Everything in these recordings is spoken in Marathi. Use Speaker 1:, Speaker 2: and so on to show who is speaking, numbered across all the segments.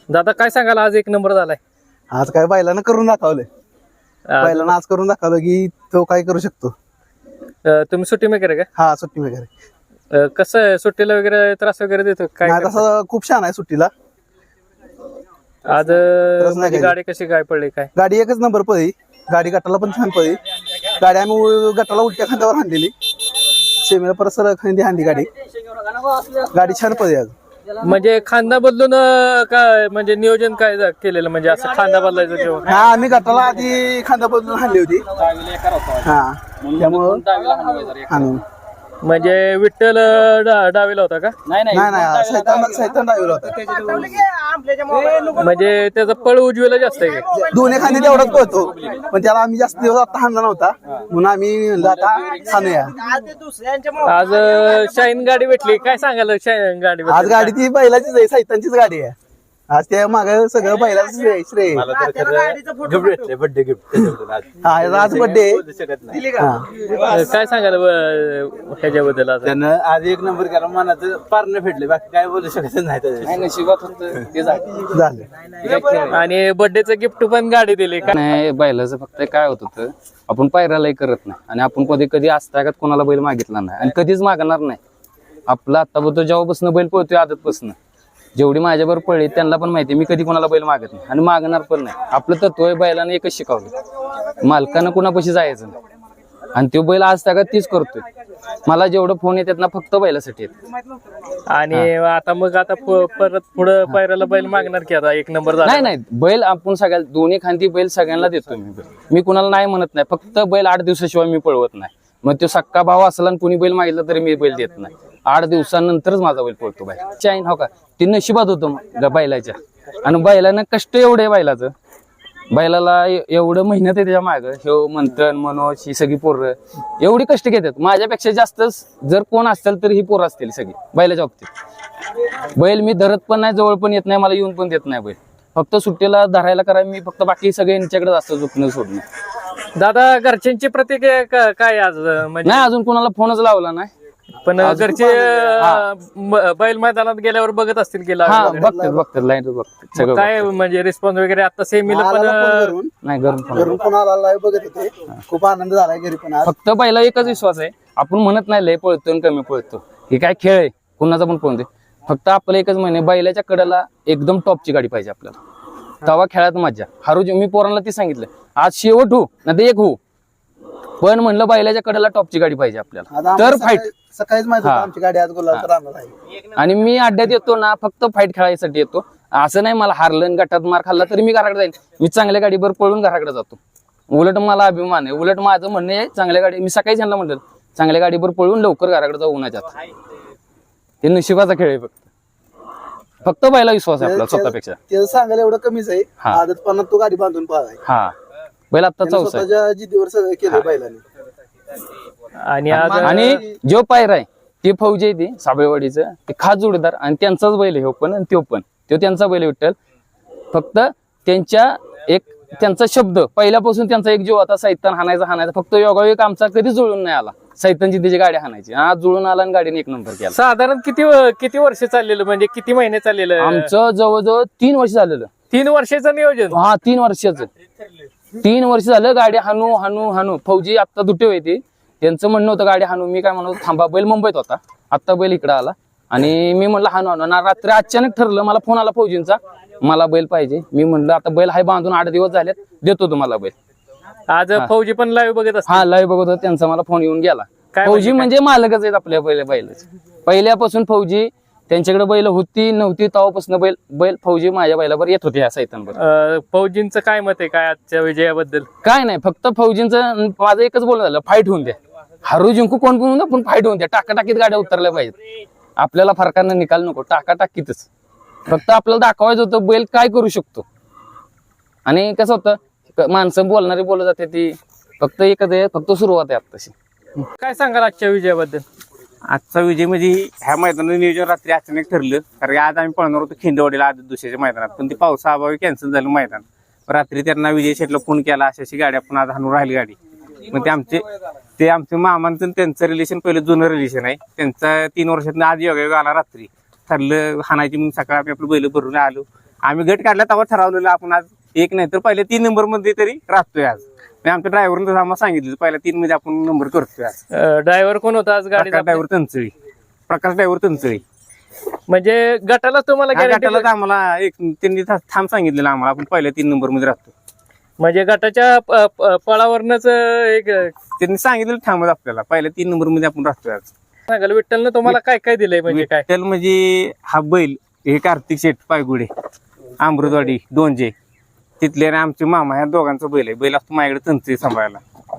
Speaker 1: दादा काय सांगाल, आज एक नंबर झालाय?
Speaker 2: आज काय बैलानं करून दाखवलंय. बैलानं आज करून दाखवलं की तो काय करू शकतो.
Speaker 1: तुम्ही सुट्टी मेकर आहे
Speaker 2: हा सुट्टी वगैरे
Speaker 1: का? कसं आहे, सुट्टीला वगैरे त्रास वगैरे देतो काय?
Speaker 2: नाही तसं खूप छान आहे सुट्टीला.
Speaker 1: आज म्हणजे गाडी कशी काय पडली काय?
Speaker 2: गाडी एकच नंबर पळी. गाडी गटाला पण छान पळी. गाडी आम्ही गटाला उलट्या खांद्यावर हाणलेली, सेमीला परत सरळ खांदी हाणली गाडी. गाडी छान पळी आज.
Speaker 1: म्हणजे खांदा बदलून काय म्हणजे नियोजन काय केलेलं, म्हणजे असं खांदा बदलायचं किंवा?
Speaker 2: हा आम्ही गटाला आधी खांदा बदलून हाणली होती. हा त्यामुळं हाणून
Speaker 1: म्हणजे विठ्ठल डावीला होता का?
Speaker 2: नाही सैतान डावीला होता.
Speaker 1: म्हणजे त्याचा पळ उजवीला जास्त आहे का?
Speaker 2: दोन्ही खांदे तेवढाच पळतो, पण त्याला आम्ही जास्त दिवस आता हाणला नव्हता म्हणून आम्ही आता हाणूया.
Speaker 1: आज शाईन गाडी भेटली, काय सांगाल शाईन गाडी?
Speaker 2: आज गाडी ती बैलाचीच आहे, सैतानचीच गाडी आहे. आज त्या माग सगळं बैलाच श्रेय.
Speaker 3: बर्थडे गिफ्ट
Speaker 2: हा आज बर्थडे.
Speaker 1: काय सांगाल ह्याच्याबद्दल? आज
Speaker 3: त्यानं आज एक नंबर केला, मनाचं पारणं फेडले, बाकी काय बोलू शकत नाही.
Speaker 1: नशिबात ते
Speaker 2: झालं.
Speaker 1: आणि बर्थडेचं गिफ्ट पण गाडी दिली का?
Speaker 4: नाही, बैलाचं फक्त काय होत होतं, आपण पायऱ्यालाही करत नाही आणि आपण कधी कधी आजतागात कोणाला बैल मागितला नाही आणि कधीच मागणार नाही. आपला आत्तापर्यंत जेव्हापासून बैल पळतोय आदतपासून जेवढी माझ्याबरोबर पळली त्यांना पण माहिती मी कधी कोणाला बैल मागत नाही आणि मागणार पण नाही. आपलं तत्व आहे, बैलाने एकच शिकवलं, मालकानं कुणापाशी जायचं नाही आणि तो बैल आज तागात तीच करतोय. मला जेवढं फोन येतात ना फक्त बैलासाठी येत.
Speaker 1: आणि आता मग आता परत पुढे पायऱ्याला बैल मागणार की? आता एक नंबर झाला.
Speaker 4: नाही बैल आपण सगळ्या दोन्ही खांदी बैल सगळ्यांना देतो मी कुणाला नाही म्हणत नाही. फक्त बैल 8 दिवसाशिवाय मी पळवत नाही. मग तो सक्का भाव असला आणि कुणी बैल मागितला तरी मी बैल देत नाही. 8 दिवसानंतरच माझा बैल पळतो. बाय चाईन हो का, ती नशिबात होतं बैलाच्या. आणि बैलानं कष्ट एवढे बैलाचं, बैलाला एवढं मेहनत आहे त्याच्या मागं. हे मंथन मनोज ही सगळी पोरं एवढी कष्ट घेतात. माझ्यापेक्षा जास्त जर कोण असतील तर ही पोरं असतील सगळी बैलाच्या बाबतीत. बैल मी धरत पण नाही, जवळ पण येत नाही, मला येऊन पण देत नाही बैल. फक्त सुट्टीला धरायला करा मी, फक्त बाकी सगळे यांच्याकडे असतं झोपणं सोडणं.
Speaker 1: दादा घरच्यांची प्रतिक्रिया काय आज? म्हणजे
Speaker 4: नाही अजून कोणाला फोनच लावला नाही,
Speaker 1: पण घरचे बैल मैदानात गेल्यावर बघत असतील की?
Speaker 4: बघतात लाईन बघतात सगळं.
Speaker 1: काय म्हणजे रिस्पॉन्स वगैरे? आता सेमीला पण
Speaker 4: नाही घरून
Speaker 2: फोन आला, बघत होते. खूप आनंद झालाय घरी पण.
Speaker 4: फक्त बैला एकच विश्वास आहे, आपण म्हणत नाही लय पळतो आणि कमी पळतो, हे काय खेळ आहे, कुणाचा पण पळून दे. फक्त आपलं एकच म्हणे, बैलाच्या कडेला एकदम टॉपची गाडी पाहिजे आपल्याला, तवा खेळात मजा. हरू मी पोरांना ती सांगितलं, आज शेवट हो ना ते एक हो, पण म्हणलं बैलाच्या कडेला टॉपची गाडी पाहिजे आपल्याला तर फाईट.
Speaker 2: सकाळीच माहिती होतं आमची गाडी आज गुलाल राहणार आहे.
Speaker 4: आणि मी अड्ड्यात येतो ना फक्त फाईट खेळायसाठी येतो. असं नाही मला हारलं गटात मार खाल्ला तरी मी घराकडे जाईल. मी चांगल्या गाडीवर पळून घराकडे जातो. उलट मला अभिमान आहे. उलट माझं म्हणणं आहे चांगल्या गाडी, मी सकाळी त्यांना म्हणलं चांगल्या गाडीवर पळून लवकर घराकडे जाऊ उन्हाच्यात. ते नशिबाचा खेळ आहे. फक्त बैला विश्वास आहे आपला स्वतःपेक्षा.
Speaker 2: ते सांगायला एवढं कमीच आहे. आदतपणात तो गाडी बांधून पाहाय.
Speaker 4: हा बैल आता चौसा
Speaker 2: स्वतःच्या जिद्दीवर सगळं केलं बैलाने.
Speaker 4: आणि जो पायरा आहे ते फौजी आहे, ते साबळेवाडीचं ते खास जोडीदार आणि त्यांचाच बैल आहे. पण आणि तो त्यांचा बैल विठ्ठल. फक्त त्यांचा शब्द पहिल्यापासून त्यांचा एक जीव होता, सैतान हाणायचा. फक्त योगायोग आमचा कधी जुळून नाही आला. सैतानची त्याची गाडी हाणायची, आज जुळून आला आणि गाडीने एक नंबर केला.
Speaker 1: साधारण किती वर्ष चाललेलं, म्हणजे किती महिने चाललेलं?
Speaker 4: आमचं जवळजवळ 3 वर्ष झालेलं.
Speaker 1: 3 वर्षाचं नियोजन?
Speaker 4: हा 3 वर्षाचं. 3 वर्ष झालं गाडी हाणू. फौजी आता दुटे होते, त्यांचं म्हणणं होतं गाडी हाणू. मी काय म्हणतो थांबा, बैल मुंबईत होता, आता बैल इकडं आला आणि मी म्हणलं हाणू. ना रात्री अचानक ठरलं, मला फोन आला फौजींचा, मला बैल पाहिजे. मी म्हणलं आता बैल हाय बांधून 8 दिवस झालेत, देतो तुम्हाला बैल.
Speaker 1: आज फौजी पण लाईव्ह बघत असतात?
Speaker 4: हा लाईव्ह बघत होता, त्यांचा मला फोन येऊन गेला. फौजी म्हणजे मालकच आहेत आपल्या बैलाचे. पहिल्यापासून फौजी त्यांच्याकडे बैल होती नव्हती तेव्हापासून बैल फौजी माझ्या बैलावर येत होते. या सैतानवर
Speaker 1: फौजींचं काय मत आहे काय आजच्या विजयाबद्दल?
Speaker 4: काय नाही, फक्त फौजींचं माझं एकच बोलणं झालं, फाईट होऊन द्या. हरू जिंकू कोण पण होऊन द्या, पण फाईट होऊन द्या. टाकाटाकीत गाड्या उतरल्या पाहिजेत. आपल्याला फरकानं निकाल नको, टाकाटाकीतच. फक्त आपल्याला दाखवायचं होतं बैल काय करू शकतो. आणि कसं होतं, माणसं बोलणारी बोलत जाते ती, फक्त एकच आहे, फक्त सुरुवात आहे आत्ताशी.
Speaker 1: काय सांगाल आजच्या विजयाबद्दल?
Speaker 5: आजचा विजय म्हणजे ह्या मैदानाचं नियोजन रात्री अचानक ठरलं, कारण आज आम्ही पळणार होतो खिंडवाडीला आदत दुसऱ्याच्या मैदानात, पण ते पावसाअभावी कॅन्सल झालं मैदान. रात्री त्यांना विजय शेटला फोन केला, अशी गाडी आपण आज हाणून राहिली गाडी. मग ते आमचे मामांचं त्यांचं रिलेशन पहिलं जुनं रिलेशन आहे. त्यांचा 3 वर्षातून आज योगायोग आला, रात्री ठरलं हाणायची. मग सकाळी आम्ही आपलं बैल भरून आलो आम्ही गट काढला तेव्हा ठरवलेलं आपण आज एक नाही तर पहिल्या 3 नंबर मध्ये तरी राहतोय आज. आमच्या ड्रायव्हरनं आम्हाला सांगितलं पहिल्या 3 मध्ये आपण नंबर करतोय आज.
Speaker 1: ड्रायव्हर कोण होता आज गाडीचा?
Speaker 5: प्रकाश ड्रायव्हर तंचळी.
Speaker 1: म्हणजे गटाला तुम्हाला गॅरंटी?
Speaker 5: गटाला आम्हाला त्यांनी थांब सांगितलेलं आम्हाला आपण पहिल्या 3 नंबर मध्ये राहतो.
Speaker 1: म्हणजे गटाच्या पळावरनच एक
Speaker 5: त्यांनी सांगितलं थांबत आपल्याला पहिल्या 3 नंबर मध्ये आपण राहतोय आज.
Speaker 1: सांगाल विठ्ठलनं तुम्हाला काय काय दिलंय म्हणजे काय?
Speaker 5: विठ्ठल म्हणजे हा बैल हे कार्तिक शेठ पायगुडे अमृतवाडी दोनजे तिथले आणि आमचे मामा ह्या दोघांचा बैल आहे. बैल असतो माझ्याकडे तंत्री सांभाळायला.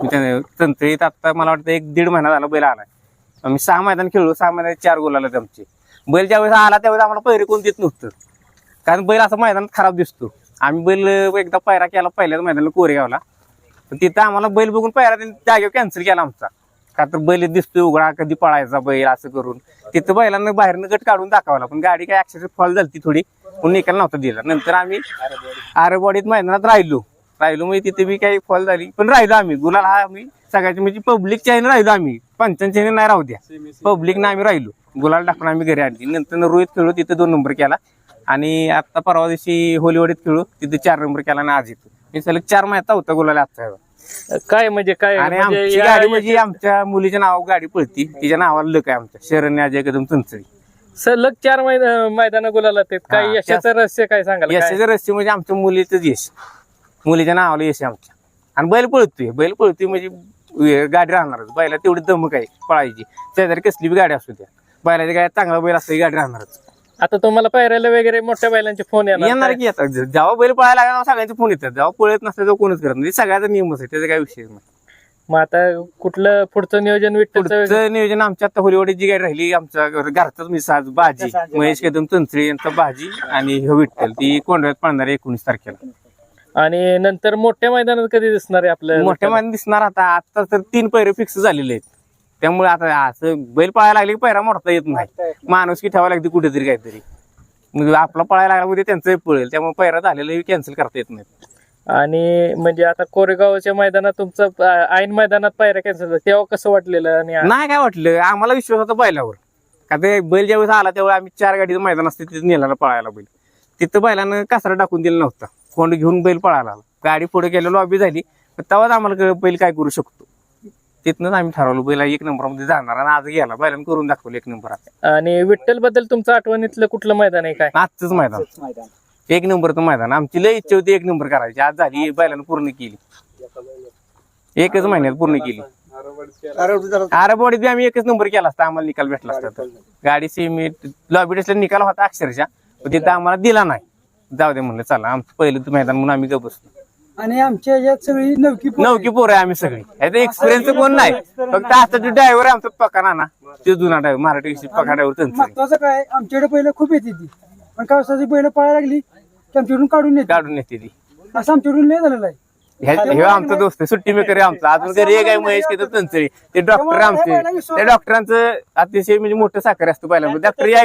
Speaker 5: तंत्रीत आता मला वाटतं 1-1.5 महिना झाला बैल आलाय. आम्ही 6 मैदान खेळलो, 6 मैदानात 4 गोल आले आमचे. बैल ज्यावेळेस आला त्यावेळेस आम्हाला पैरे कोण देत नव्हतं कारण बैल असं मैदानात खराब दिसतो. आम्ही बैल एकदा पायरा केला पहिल्याच मैदानाला कोरेगावला, तर तिथं आम्हाला बैल बघून पायरा जागेवर कॅन्सल केला आमचा. का तर बैल दिसतोय उघडा, कधी पळायचा बैल असं करून तिथं बैलांना बाहेरनं गट काढून दाखवला. पण गाडी काय अक्षरशः फॉल झाली थोडी, पण निकाल नव्हता दिला. नंतर आम्ही आरेवाडीत मैदानात राहिलो म्हणजे तिथे बी काही फॉल झाली पण राहिलो आम्ही. गुलाल हा आम्ही सगळ्याची म्हणजे पब्लिकच्या ह्याने राहिलो आम्ही, पंचांच्या ह्याने नाही राहू द्या, पब्लिकनं आम्ही राहिलो. गुलाल टाकून आम्ही घरी आणली. नंतर रोहित खेळलो तिथे 2 नंबर केला आणि आता परवा दिवशी होलीवाडीत खेळलो तिथे 4 नंबर केला आणि आज येतो. हे सलग 4 महिन्यात होता गुलाल आजचा.
Speaker 1: काय म्हणजे काय?
Speaker 5: आणि आमची गाडी म्हणजे आमच्या मुलीच्या नावावर गाडी पळती, तिच्या नावाला लक आहे आमच्या शरण्य अजय कदम तंचळी.
Speaker 1: सलग 4 मैदान गुलाला आहेत. काय यशाचं रहस्य काय सांगाल?
Speaker 5: यशाचं रहस्य म्हणजे आमच्या मुलीचंच यश, मुलीच्या नावाला यश आहे आमच्या. आणि बैल पळतोय म्हणजे गाडी राहणारच. बैला तेवढी दमक आहे पळायची, शेजारी कसली बी गाडी असू द्या, बैलाची गाडी चांगला बैल असतो गाडी राहणारच.
Speaker 1: आता तुम्हाला पायऱ्याला वगैरे मोठ्या बैलांचे फोन
Speaker 5: येणार की आता जेव्हा बैल पळायला लागला सगळ्यांचे फोन येतात, जेव्हा पळत नसतं तेव्हा कोणच करत नाही. सगळ्याचा नियमच आहे, त्याचा काही विषय नाही.
Speaker 1: मग आता कुठलं पुढचं नियोजन?
Speaker 5: पुढचं नियोजन आमच्या आता होलीवाडी जी गाडी राहिली आमच्या घरचाच मिसाज भाजी महेश कदम तंत्री यांचा भाजी आणि विठ्ठल ती कोंढव्यात पळणार 19 तारखेला.
Speaker 1: आणि नंतर मोठ्या मैदानात कधी दिसणार आहे आपलं?
Speaker 5: मोठ्या मैदानात दिसणार आता तर 3 पैरे फिक्स झालेले आहेत. त्यामुळे आता असं बैल पळायला लागले की पैरा मोडता येत नाही, माणूस की ठेवायला लागते कुठेतरी काहीतरी. मग आपला पळायला लागला म्हणजे त्यांचं पळेल, त्यामुळे पैरा झालेलं कॅन्सल करता येत नाही.
Speaker 1: आणि म्हणजे आता कोरेगावच्या मैदानात तुमचं ऐन मैदानात पायऱ्या कॅन्सल झाल्या तेव्हा कसं वाटलेलं? आणि
Speaker 5: नाही काय वाटलं, आम्हाला विश्वास होता बैलावर. का ते बैल ज्यावेळेस आला त्यावेळेस आम्ही 4 गाडीचं मैदान असते तिथे नेला पळायला बैल. तिथं बैलानं कासरा टाकून दिला नव्हता, कोंड घेऊन बैल पळायला. गाडी पुढे गेलो लॉबी झाली तेव्हाच आम्हाला कळलं बैल काय करू शकतो. तिथनंच आम्ही ठरवलं बैला 1 नंबरमध्ये जाणार आणि आज गेला बैलानं करून दाखवलं 1 नंबरात.
Speaker 1: आणि विठ्ठल बद्दल तुमचं आठवणीतलं कुठलं मैदान आहे काय?
Speaker 5: आजच मैदान 1 नंबरचं मैदान. आमची लय इच्छा होती 1 नंबर करायची, आज झाली, बैलानं पूर्ण केली. 1च महिन्यात पूर्ण केली. आरेवाडीत आम्ही 1च नंबर केला असता, आम्हाला निकाल भेटला असता. गाडी सेमी लॉबी टेस्टला निकाल होता अक्षरशः, पण तिथं आम्हाला दिला नाही. जाऊ दे म्हणलं चला, आमचं पहिलं मैदान म्हणून आम्ही गप बसलो.
Speaker 6: आणि आमच्या याच्यात सगळी नवकी
Speaker 5: पोरं आहे आम्ही सगळी. एक्सपिरियन्स कोण नाही, फक्त आता जो ड्रायव्हर आहे आमचा पका नाना, तो जुना ड्रायव्हर मराठी पका ड्रायव्हर.
Speaker 6: महत्वाचं काय आमच्याकडे पहिलं खूप येते ती, पण कावसाची बैल पळायला लागली की आमच्याकडून काढून येते
Speaker 5: ती.
Speaker 6: असं आमच्याकडून लय झालेलं आहे.
Speaker 5: हे आमचा दोस्त सुट्टी मेकर आहे आमचा. अजून घरी एक आहे महेश केदार तंचळी, ते डॉक्टर आमचे. त्या डॉक्टरांचं अतिशय म्हणजे मोठं साखर असतं पहिल्यांदा. डॉक्टर या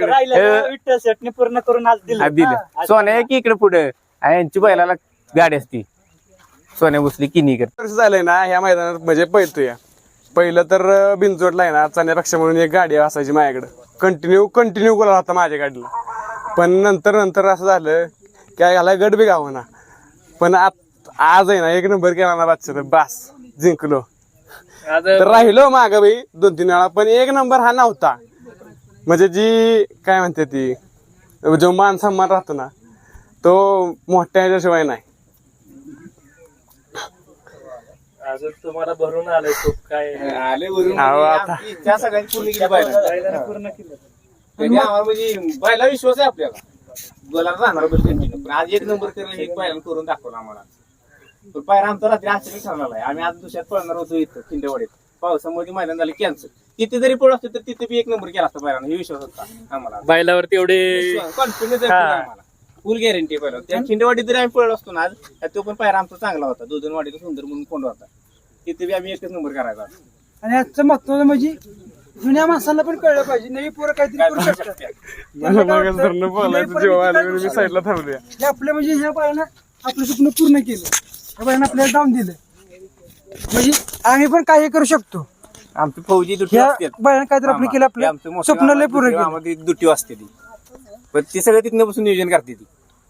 Speaker 5: इकडे
Speaker 6: पूर्ण करून आज
Speaker 5: दिलं. सोन्या की इकडे पुढे यांची बैलाला गाडी असती, सोन्या बसली किनीकर.
Speaker 7: वर्ष झालंय ना ह्या मैदानात म्हणजे पळतोय. पहिलं तर बिनजोडला आहे ना चाण्यापेक्षा म्हणून एक गाडी असायची माझ्याकडे, कंटिन्यू गोला होता माझ्या गाडीला. पण नंतर असं झालं की ह्याला गट बी गावना. पण आज आहे ना 1 नंबर केला ना बादशाह, बास जिंकलो. तर राहिलो मागं बाई 2-3 वेळा, पण 1 नंबर हा नव्हता. म्हणजे जी काय म्हणते ती जो मान सन्मान राहतो ना तो मोठ्या ह्याच्याशिवाय नाही.
Speaker 1: अजून तुम्हाला भरून आलंय खूप काय?
Speaker 5: त्या सगळ्यांची पूर्ण केली बैला विश्वास आहे आपल्याला, गोलाला राहणार बैल कंटिन्यू. पण आज 1 नंबर करणं एक बैलानं करून दाखवलं आम्हाला. पण पायरा आमचा रात्री आश्चर्य ठरलेला आहे. आम्ही आज दुसऱ्यात पळणार होतो इथं खिंडेवाडीत, पावसामुळे मैदान झालं कॅन्सल. तिथे जरी पळ असतो तर तिथे बी 1 नंबर केला असता बैलानं, हे विश्वास होता आम्हाला.
Speaker 1: बैलावरती एवढे
Speaker 5: कॉन्फिडन्स आहे आम्हाला, फुल गॅरंटी पहिला. त्या खिंडेवाडीत जरी आम्ही पळलो असतो ना आज, तो पण पायरा आमचा चांगला होता. 2 वाडीचा सुंदर म्हणून कोंड होता, तिथे बी आम्ही 1च नंबर करायचा.
Speaker 6: आणि आजचं महत्वाचं म्हणजे जुन्या माणसाला पण कळलं पाहिजे, नवी पोरं काहीतरी करू शकतात.
Speaker 7: मी साईडला थांबलोय.
Speaker 6: आपलं म्हणजे ह्या बाळानं आपलं स्वप्न पूर्ण केलं, ह्या बाळानं आपल्याला डाऊन दिलं. म्हणजे आम्ही पण काही करू शकतो.
Speaker 5: आमची फौजी दुटी
Speaker 6: ह्या
Speaker 5: असते,
Speaker 6: बाळानं काहीतरी आपलं केलं, आपलं स्वप्न लय पूर्ण केलं.
Speaker 5: दुटी असते ती. पण ती सगळं तिथनं बसून नियोजन करते ती.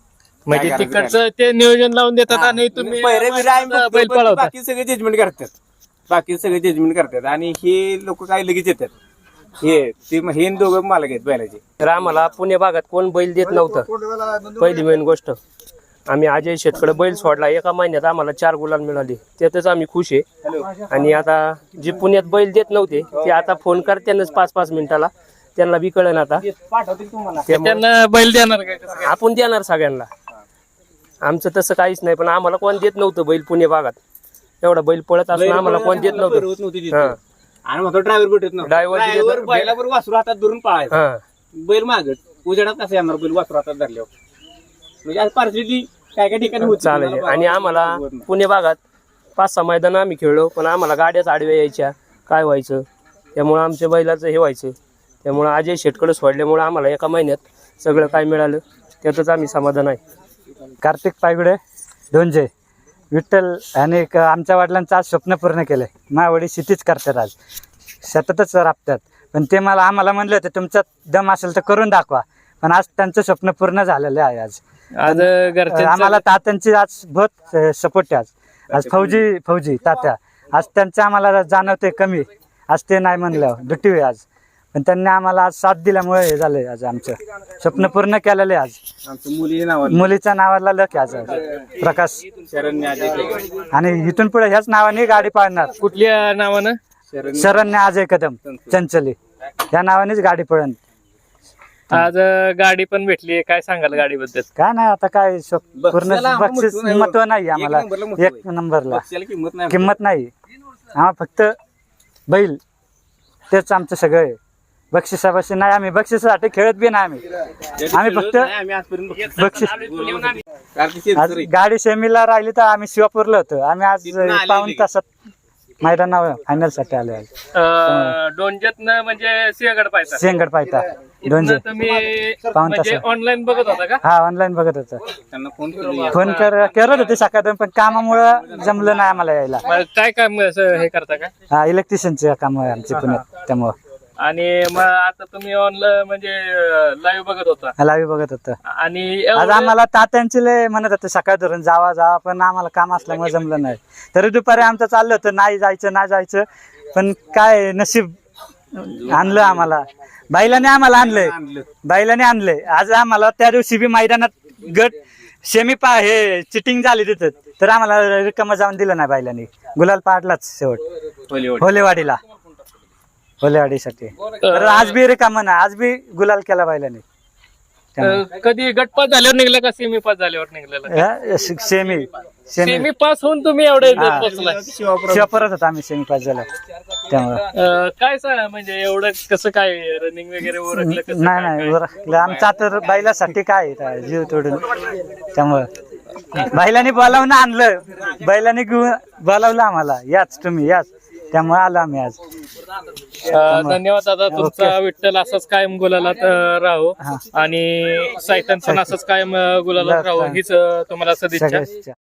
Speaker 1: म्हणजे
Speaker 5: काय करायचं
Speaker 1: तिकडचं ते नियोजन लावून देतात आणि तुम्ही
Speaker 5: पहिरे बिरे आम्ही बघतो,
Speaker 1: बैल
Speaker 5: पण
Speaker 1: पळवता.
Speaker 5: बाकी सगळे जजमेंट करतात. बाकी सगळे जजमेंट करतात आणि हे लोक काय लगेच येतात. हे दोघं मालक आहेत बैलाचे.
Speaker 8: तर आम्हाला पुणे भागात कोण बैल देत नव्हतं. पहिली मेन गोष्ट, आम्ही अजय शेटकडे बैल सोडला, एका महिन्यात आम्हाला 4 गुलाल मिळाले, त्यातच आम्ही खुश आहे. आणि आता जे पुण्यात बैल देत नव्हते ते आता फोन करतानाच 5-5 मिनिटाला, त्यांना बी कळलं आता. त्यामुळे
Speaker 1: त्यांना बैल देणार काय कसं काय?
Speaker 8: आपण देणार सगळ्यांना. आमचं तसं काहीच नाही, पण आम्हाला कोण देत नव्हतं बैल पुणे भागात. एवढा बैल पळत असून आम्हाला कोण देत नव्हतं. हा.
Speaker 5: आणि मग ड्रायव्हर भेटत नव्हता.
Speaker 8: Driver बी देत
Speaker 5: ड्रायव्हर
Speaker 8: नव्हता.
Speaker 5: बैलाबरोबर वासरू हातात धरून पळायचा.
Speaker 8: हा.
Speaker 5: बैल मागत उजेडात कसं येणार बैल वासरू हातात धरल्यावर. म्हणजे आज पार्सलिटी काय काय ठिकाणी होती.
Speaker 8: चालेल. आणि आम्हाला पुणे भागात 5-6 मैदान आम्ही खेळलो, पण आम्हाला गाड्याच आडव्या यायच्या, काय व्हायचं, त्यामुळं आमच्या बैलाचं हे व्हायचं. त्यामुळं अजय शेटकडे सोडल्यामुळं आम्हाला एका महिन्यात सगळं काय मिळालं, त्यातच आम्ही समाधान आहे.
Speaker 9: कार्तिक पायगुडे डोंजे विठ्ठल आणि आमच्या वडिलांचं आज स्वप्न पूर्ण केलंय. माझ्या वडील शेतीच करतात, आज सततच राबतात. पण ते आम्हाला म्हणले होते तुमचा दम असेल तर करून दाखवा, पण आज त्यांचं स्वप्न पूर्ण झालेलं आहे.
Speaker 1: आज घरच्यांचं
Speaker 9: आम्हाला तात्यांची आज बहुत सपोर्ट आहे. आज फौजी तात्या, आज त्यांचं आम्हाला जाणवते कमी, आज ते नाही म्हणलं दुटी आहे आज, पण त्यांनी आम्हाला आज साथ दिल्यामुळे हे झालंय. आज आमचं स्वप्न पूर्ण केलेलं आहे. आज
Speaker 5: आमचं
Speaker 9: मुलीच्या नावाला लक आहे आज प्रकाश,
Speaker 5: शरण्य अजय कदम.
Speaker 9: आणि इथून पुढे ह्याच नावाने गाडी पाळणार.
Speaker 1: कुठल्या नावानं?
Speaker 9: शरण्य अजय कदम चंचली या नावानेच गाडी पळण.
Speaker 1: आज गाडी पण भेटली, काय सांगाल गाडीबद्दल?
Speaker 9: काय नाही आता काय पूर्ण
Speaker 5: बक्षिसाला
Speaker 9: बक्षीस
Speaker 5: महत्त्व नाही.
Speaker 9: महत्व नाही आम्हाला.
Speaker 5: एक नंबरला महत्त्व आहे.
Speaker 9: 1 नंबरला
Speaker 5: बक्षिसाला किंमत नाही.
Speaker 9: किंमत नाही. आम्हाला फक्त बैल तेच आमचं सगळं आहे. बक्षिसापाशी नाही, आम्ही बक्षिसासाठी खेळत बी नाही. आम्ही फक्त
Speaker 5: आम्ही आजपर्यंत
Speaker 9: बक्षीस.
Speaker 5: कार्तिक
Speaker 9: आज गाडी सेमीला राहिली तर आम्ही शिवापूरला होतो. आम्ही आज
Speaker 5: तिथनं आलेली.
Speaker 9: पाऊण तासात मैदानावर फायनल साठी आलो. आज
Speaker 1: डोंजतनं म्हणजे सिंहगड पाहिजे.
Speaker 9: सिंहगड पायता दोनशे
Speaker 1: तुम्ही
Speaker 9: पाऊण
Speaker 1: म्हणजे
Speaker 9: तासात.
Speaker 1: ऑनलाईन बघत होता का?
Speaker 9: हा ऑनलाईन बघत होतो.
Speaker 5: त्यांना फोन केला.
Speaker 9: फोन करत होते सकाळी, पण कामामुळे जमलं नाही आम्हाला यायला.
Speaker 1: मग काय काम असं हे करता का?
Speaker 9: हा इलेक्ट्रिशियनचे काम आहे आमचे पुण्यात, त्यामुळं
Speaker 1: आणि मग आता तुम्ही ऑनलाईन म्हणजे लाईव्ह बघत होता
Speaker 9: लाईव्ह बघत होतं.
Speaker 1: आणि
Speaker 9: आज
Speaker 1: एवढं-
Speaker 9: आम्हाला तात्यांचे लय म्हणत होते सकाळी धरून जावा, पण आम्हाला काम असल्यामुळे जमलं नाही. तरी दुपारी आमचं चाललं होतं नाही जायचं, पण काय नशीब आणलं आम्हाला. बैलाने आम्हाला आणलंय. आज आम्हाला त्या दिवशी बी मैदानात गट सेमी हे चिटिंग झाली तिथं, तर आम्हाला रिकामं जाऊन दिलं नाही बैलाने. गुलाल पाडलाच शेवट होलेवाडीसाठी. तर आज बी रिकामं नाही, आज बी गुलाल केला बैलाने.
Speaker 1: कधी गटपास झाल्यावर निघलं का सेमी पास झाल्यावर निघलेलं?
Speaker 9: सेमी
Speaker 1: सेमी पास होऊन तुम्ही एवढे
Speaker 9: हा.
Speaker 1: पोहोचलाय.
Speaker 9: शिवापरत होता आम्ही सेमी पास झाला त्यामुळे.
Speaker 1: काय सांग म्हणजे एवढं कसं काय रनिंग वगैरे ओरखलं कसं काय?
Speaker 9: नाही बरं आमचा तर बैलासाठी काय आहे, जीव तोडून. त्यामुळं बैलाने बोलावून आणलं, बैलाने घेऊन बोलावलं आम्हाला, याच तुम्ही याच, त्यामुळे आलो आम्ही आज.
Speaker 1: धन्यवाद दादा तुमचा. विठ्ठल असंच कायम गुलालात राहो आणि सायतन पण असंच कायम गुलालात राहो हीच तुम्हाला सदिच्छा.
Speaker 9: सगळ्याच